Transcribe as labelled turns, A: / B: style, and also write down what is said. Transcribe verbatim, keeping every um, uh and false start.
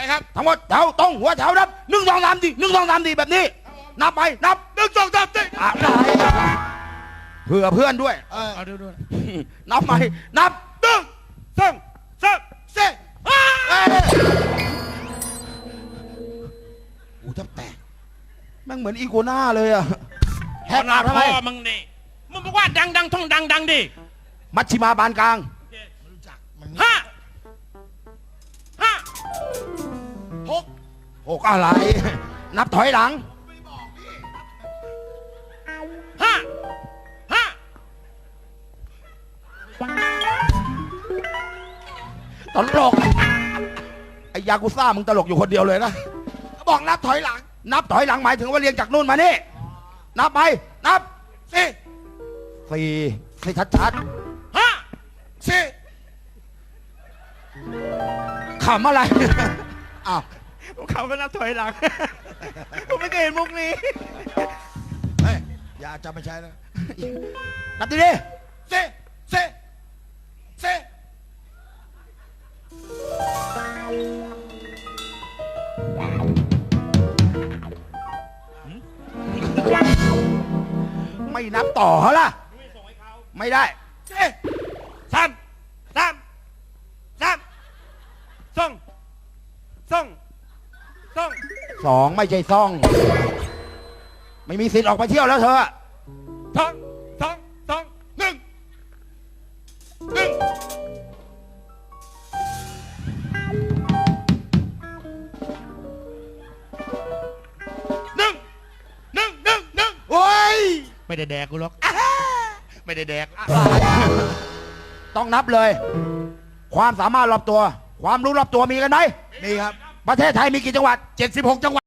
A: ครับ
B: ทั้งหมดแถวตรงหัวแถวนับหนึ่งสองสามสี่หนึ่งสองสามสี่แบบนี้นับไปนับ
A: หนึ่งสองสามสี่
B: อะไรเผื่อเพื่อนด้วย
A: เออเอาดูด้วย
B: นับใหม่นับ
A: หนึ่งสองสามสี่ห้า
B: เอ้ยอูแทบแตกแม่งเหมือนอีโกน่าเลยอะแหกปากทำไม
A: พ่อมึงนี่มึงบอกว่าดังดังท่องดังดังดิ
B: มัชชิมาบานกลาง
A: ห้าห้าหก
B: หกอะไร นับถอยหลัง
A: ห้าห้า
B: ตลกไอ้ยากุซ่ามึงตลกอยู่คนเดียวเลยนะ
A: บอกนับถอยหลัง
B: นับถอยหลังหมายถึงว่าเรียงจากนู่นมานี่นับไปนับ
A: สี่
B: สี่ให้ชัด
A: ห้าสี่
B: ๆขำอะไร อ้าว
A: เขาก็นับถอยหลัง ผมไม่เคยเห็นมุกนี้
C: เฮ้ยอย่าจำไม่ใช่นะ
B: นับดีดิ
A: สี่สี่สี่
B: ไม่นับต่อเขาล่ะไม่ได้
A: สี่สามสามสามสองสองสอง
B: สองไม่ใช่ซ่อง ไม่มีสิทธิ์ออกไปเที่ยวแล้วเธอ
A: สองสองสองหนึ่งหนึ่งหนึ่งหนึ่งหนึ่งหนึ่ง
B: โอ้ย
A: ไม่ได้แดกกูหรอกไม่ได้แดก
B: ต้องนับเลย ความสามารถรอบตัว ความรู้รอบตัวมีกันไหม
C: นี่ครับ
B: ประเทศไทยมีกี่จังหวัด
A: เจ็ดสิบหกจังหวัด